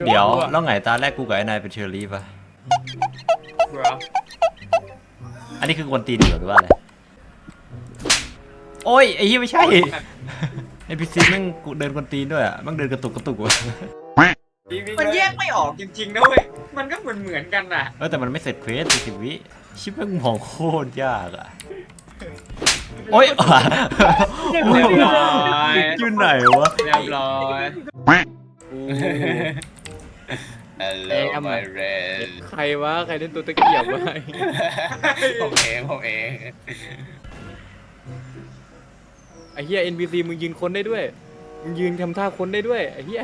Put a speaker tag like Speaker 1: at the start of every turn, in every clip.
Speaker 1: เดี๋ยวแล้วไงตาแรกกูกับไอ้นายเป็นเชอร์รี่ป่ะอันนี้คือกวนตีนหรือว่าอะไรโอ้ยไอ้ยี่ไม่ใช่ไอพีซีแม่งกูเดินกวนตีนด้วยอ่ะแม่งเดินกระตุกกระตุกว่ะ
Speaker 2: มันแยกไม่ออกจริงๆนะเว้ยมันก็เหมือนกันอ่ะ
Speaker 1: แต่มันไม่เสร็จเควส40 วิชิบแม่งมองโคตรยากอ่ะโอ้ย
Speaker 2: เรียบร้อย
Speaker 1: อยู่ไหนวะ
Speaker 2: เรียบร้อย
Speaker 3: Hello my friend
Speaker 4: ใครวะใครเล่นตัวตะเกียบวะ
Speaker 3: ผมเอง
Speaker 4: ไอ้เหี้ย NPC มึงยืนคนได้ด้วยมึงยืนทำท่าคนได้ด้วยไอ้เหี้ย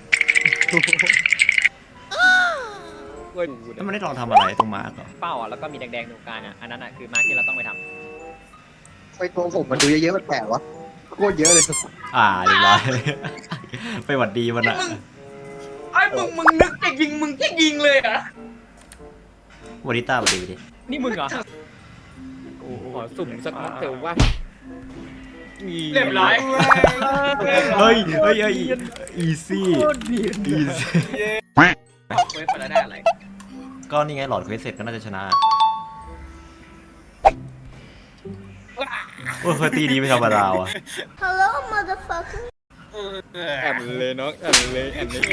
Speaker 4: เว้ย
Speaker 1: แล้วมันได้ลองทำอะไรตรงมาร์กเหรอ
Speaker 5: เป้าอ่ะแล้วก็มีแดงๆตรงกลางอ่ะอันนั้นอ่ะคือมาร์คที่เราต้องไปท
Speaker 6: ไปตัวผมมันดูเยอะๆมันแปลกวะโคตรเยอะเลย
Speaker 1: เรียบร้อย ไปหวัดดีมันอ่ะ
Speaker 2: ไอ้มึงนึกจะยิงมึงจะยิงเลยอ่ะ
Speaker 1: วาริต้าหวัดดีดิ
Speaker 5: ำนี่มึงเหรอ
Speaker 4: โอ้โหขอสุ่มสักนัดเถอะว่า
Speaker 2: เรียบร้อย
Speaker 1: เฮ้ยอีซี่อีซี่
Speaker 2: เว้ยไปแล้วได้อะไร
Speaker 1: ก็นี่ไงหลอดเควสเสร็จก็น่าจะชนะโอ้ยเคยตีดีไม่ธรรมดาว่ะ
Speaker 7: Hello, motherfucker.
Speaker 4: แอนเลยน้องแอนเลยแอนเลย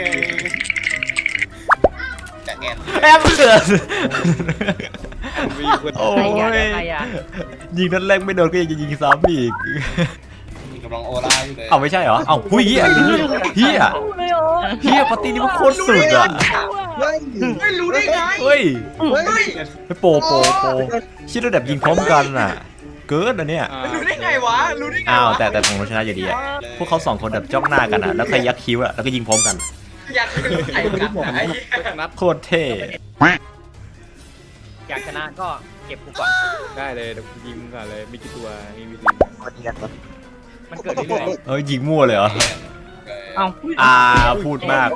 Speaker 3: จะแอน
Speaker 1: แอบเกิด
Speaker 4: มีคน
Speaker 1: โอ้
Speaker 5: ใครอ่ะ
Speaker 1: ย
Speaker 5: ใครอ่ะ
Speaker 1: ยิงนัดแรกไม่โดนก็ยังจะยิงซ้ำอีก
Speaker 3: กำลังโอล่าอยู่เลย
Speaker 1: เอาไม่ใช่เหรอ เอาหุ้ยเฮียเฮียปาร์ตี้นี่มันโคตรสุดอ่ะ
Speaker 6: เฮ้ย
Speaker 2: ไม่รู้ได้ไง
Speaker 1: เฮ้ย
Speaker 6: เฮ้ย
Speaker 1: ไปโปชิดระดับยิงพร้อมกันอ่ะ เกิดอันเนี้ย
Speaker 2: รู้ได้ไงวะรู้ได้ไง
Speaker 1: อ้าว
Speaker 2: วะ
Speaker 1: แต่ของเราชนะอยู่ดีอ่ะ พวกเขา2 คนแบบจ้องหน้ากันอ่ะ แล้วใครยักคิ้วอ่ะ แล้วก็ยิงพร้อมกัน
Speaker 2: อยากเป็นไข่กันอะไอ้เหี้ย
Speaker 4: สักนัด
Speaker 1: โคตรเท่
Speaker 5: อยากชนะก็เก็บกูก่อน
Speaker 4: ได้เลยเดี๋ยวกูยิงมึงก่อนเลยมีกี่ตัวมีวิธี
Speaker 6: คนนี้กันวะ
Speaker 5: มันเกิดเรื่อย
Speaker 1: เอ้ยยิงมั่วเลยเหรอ
Speaker 5: ๆเอ้า
Speaker 1: พูดมาก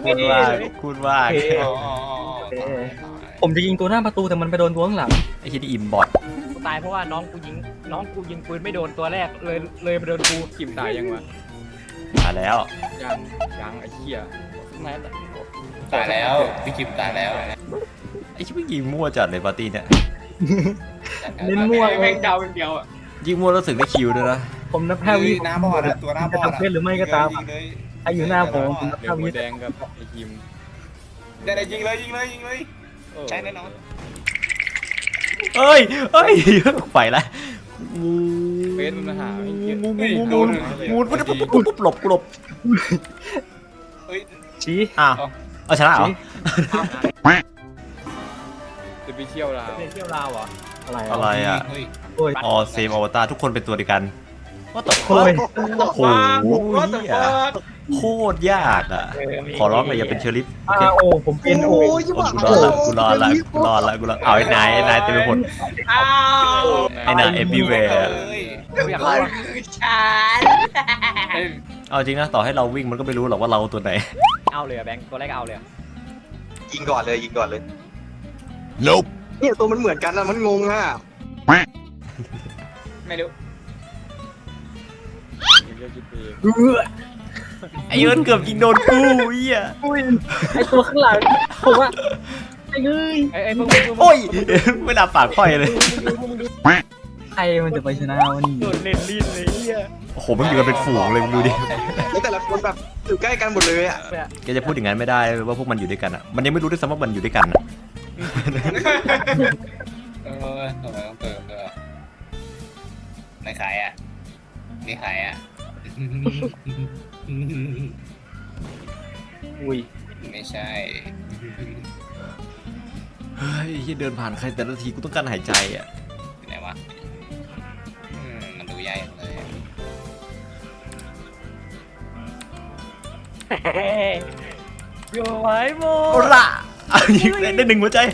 Speaker 8: ผมจะยิงตัวหน้าประตูแต่มันไปโดนตัวข้างหลัง
Speaker 1: ไอ้ที่นี่อิมบอท
Speaker 5: กูตายเพราะว่าน้องกูยิงปืนไม่โดนตัวแรกเลยไปโดนกู
Speaker 4: กิมตายยังวะ
Speaker 1: มาแล้ว
Speaker 4: ยังไอ้เหี้ยสักนัดอะ
Speaker 3: ตายแล้วพี่คิมตายแล้ว
Speaker 1: ไอ้ชิบยิงมั่วจัดเลยปาร์ตี้เนี่ย
Speaker 8: เล่นมั่ว
Speaker 2: แม่งเดาเป็นเดียวอ่ะ
Speaker 1: ยิงมั่วแล้วรู้สึกได้คิวด้วยนะ
Speaker 8: ผมนับ
Speaker 3: หน้า
Speaker 8: 5 วิ
Speaker 3: หน้าบอดอะตัวหน้าบอด
Speaker 8: จะทำเพศหรือไม่ก็ตาม
Speaker 3: ยิงเลย
Speaker 8: ไออยู่หน้าผมนับ
Speaker 4: เดี๋ยว
Speaker 8: 5
Speaker 4: หั
Speaker 8: วิ
Speaker 4: วแดงกับไอ้คิม
Speaker 3: ได้ยิงเลย
Speaker 4: โอ้
Speaker 3: ใช่แน่นอน
Speaker 1: เอ้ยไปละ
Speaker 4: เฟสมันหาไม่เยอะ
Speaker 1: งูหลบ
Speaker 3: เฮ้ย
Speaker 8: ชี้
Speaker 1: อ้าวเอาชนะเหรอ
Speaker 4: จะไปเที่ยวลาว
Speaker 5: เป็นเที่ยวลาวเหรอ
Speaker 1: อะไรอ่ะ
Speaker 3: เฮ้ย
Speaker 8: โอ้ย
Speaker 1: อ๋อเซมอวตารทุกคนเป็นตัวเดียวกันว่าแต่
Speaker 8: โอ้ย
Speaker 1: โอ้โห
Speaker 2: ว่าแต่ว่า
Speaker 1: โคตรยากอ่ะ ขอร้องเลยอย่าเป็นเชอริฟโอเค
Speaker 8: โอ้ผมเป็นโอ้
Speaker 6: โอ้ยยี่ห้อ
Speaker 1: กูรอดละเอาไอ้นายเต็มไปหมด
Speaker 2: อ้าว
Speaker 1: ไอ้นายเอฟวีแวร์
Speaker 5: กูอยากรู้ว่า
Speaker 2: คือฉัน
Speaker 1: เอาจริงนะต่อให้เราวิ่งมันก็ไม่รู้หรอกว่าเราตัวไหน
Speaker 5: เอาเลยอะแบงค์ตัวแรกเอาเลยอะ
Speaker 6: ยิงก่อนเลยเนี่ยตัวมันเหมือนกันนะมันงงอ่ะ
Speaker 2: ไม่รู้
Speaker 4: มึงจะคิดเอง
Speaker 1: ไอ้เอิร์นเกือบยิงโดนกูเหี้ย
Speaker 8: อุ้ยไอตัวข้างหลังผมว่าไอ้เอ้ย
Speaker 5: ไอ้พวก
Speaker 1: โอ้ยไม่น่าปากค่อยเลย
Speaker 8: ใครมันจะไปชนะวันนี้
Speaker 5: โดนเล่นลิ้นเลยเฮีย
Speaker 1: โอ้โหมันอยู่กันเป็นฝูงเลยมึงดูดิ
Speaker 6: แล้วแต่ละคนแบบอยู่ใกล้กันหมดเลยอ่ะ
Speaker 1: แกจะพูดอย่างนั้นไม่ได้ว่าพวกมันอยู่ด้วยกันอ่ะ มันยังไม่รู้ด้วยซ้ำว่ามันอยู่ด้วยกันอ่ะ
Speaker 3: ทำไมต้องเติมด้วยไหนขายอ่ะนี่ขายอ่ะ
Speaker 8: อุ้ย
Speaker 3: ไม่ใช่
Speaker 1: เฮ้ยที่เดินผ่านใครแต่ละทีกูต้องการหายใจอ่ะ
Speaker 3: ไหนวะมันดูใหญ่เลย
Speaker 5: โย่ไว้โม
Speaker 1: โอ้ละยิงได้1 หัวใจ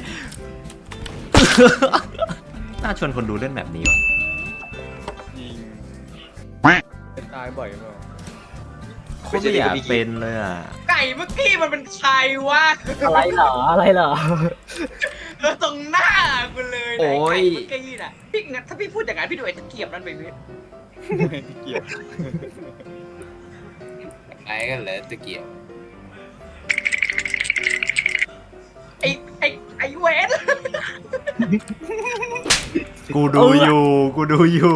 Speaker 1: น่าชวนคนดูเล่นแบบนี้ว่ะ
Speaker 4: ยิงเป็นตายบ่อยเปล่า
Speaker 1: โคตรไม่อยากเป็นเลยอ่ะ
Speaker 2: ไก่เมื่อกี้มันเป็นใครวะ
Speaker 8: อะไรเหรออะไรเหรอ
Speaker 2: ตรงหน้ากูเลย
Speaker 1: โอ้ย
Speaker 2: ไก่เมื่อกี้น่ะพี่งั้นถ้าพี่พูดอย่างนั้นพี่ดูไอ้ตะเกียบนั่นไปพี่
Speaker 4: เกี่ยว
Speaker 3: ไอ้ก็เหลือตะเกียบ
Speaker 1: กูดูอยู่กูดูอยู่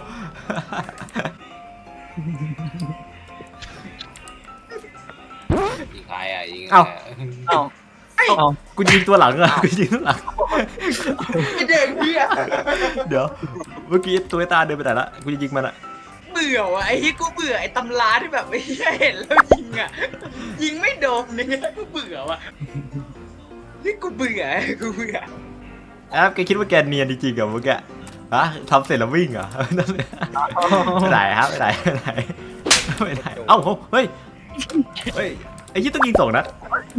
Speaker 3: ยิงใครอ่ะยิง
Speaker 1: เอ้า
Speaker 8: เอ้าเอ้า
Speaker 1: กูยิงตัวหลังอะกูยิงตัวหลัง
Speaker 2: ไอเด็กเหี้ย
Speaker 1: เดี๋ยวเมื่อกี้ตัวตาเดินไปไหนละกูจะยิงมันอะ
Speaker 2: เบื่อว่ะไอ้ที่กูเบื่อไอ้ตำราที่แบบไอ้เหี้ยเห็นแล้วยิงอ่ะยิงไม่โดนเนี่ยกูเบื่อว่ะนี่กูเบื่อกูเบื่อ
Speaker 1: แอปแกคิดว่าแกเนียนจริงๆเหรอเมื่อกี้ฮะทำเสร็จแล้ววิ่งเหรอไม่ได้ครับไม่ได้ไม่ได้ไม่ได้เอ้าเฮ้ยเฮ้ยไอ้ยี่ต้องยิง2 นัด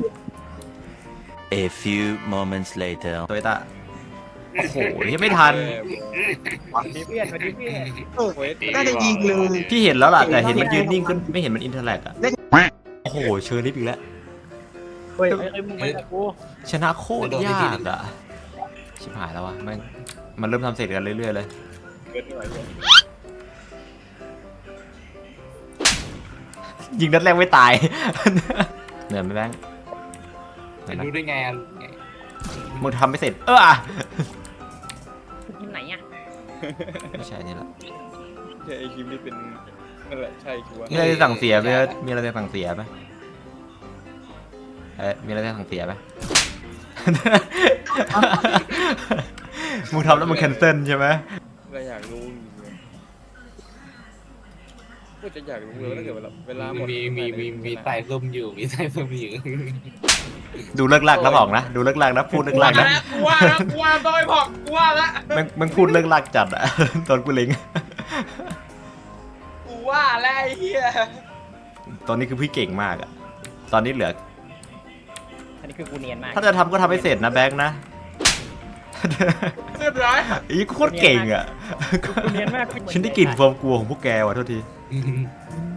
Speaker 9: A few moments later.
Speaker 1: ตัวตาโอ้โหยังไม่ทัน
Speaker 5: ดีเพื่อนสวัสดีเพื่อน
Speaker 6: น่าจะยิงเลย
Speaker 1: พี่เห็นแล้วล่ะแต่เห็นมันยืนนิ่งขึ้นไม่เห็นมันอินเทอร์แลกอะโอ้โหเชิญนิดอีกแล้ว
Speaker 8: เฮ้ย
Speaker 5: ไอ้มึงไปกับกู
Speaker 1: ชนะโคตรยากอะชิบหายแล้ววะมันเริ่มทำเสร็จกันเรื่อยๆเลย
Speaker 4: เกินไม่ไหวเลย
Speaker 1: ยิงนัดแรกไม่ตาย เหนื่อยไหมแบงค์เหนื่อยนะ
Speaker 3: รู้ได้ไงอ่ะ
Speaker 1: มึงทำไม่เสร็จ
Speaker 5: ที่ไหนอ่ะ
Speaker 1: ไม่ใช่นี่ละ
Speaker 4: ใช่ไอคิมนี่เป็นนั่นแหละใช่ชัวร์
Speaker 1: มีอะไรจะสั่งเสียไหมมีอะไรจะสั่งเสียไหมมีอะไรจะสั่งเสียไหม มึงทำแล้วมึงแคนเซิลใช่ไหม
Speaker 4: ก็อยากรู้ก็จะอยากรู้เลยถ้าเกิดเวลาหมด
Speaker 3: มีใส่ซุ่มอยู่มีใส่ซุ่มอยู่
Speaker 1: ดูเลิกลากแล้วบอกนะดูเลิกลากนะพูดเลิกลากนะ
Speaker 2: กูว่าแล้วกูว่าต้องไปบอกกูว่าละ
Speaker 1: มึงพูดเลิกลากจัดอะ ตอนกูเล็ง
Speaker 2: กูว่าแล้วไอ้เหี้ย
Speaker 1: ตอนนี้คือพี่เก่งมากอะตอนนี้เหลือ
Speaker 5: อันนี้คือกูเนียนมาก
Speaker 1: ถ้าจะทำก็ทำให้เสร็จนะแบงค์นะ
Speaker 2: เรียบร้อย
Speaker 1: อีโคตรเก่งอะ
Speaker 5: กูเนียนมาก
Speaker 1: ฉันได้กลิ่นความกลัวของพวกแกว่ะโทษที
Speaker 3: เ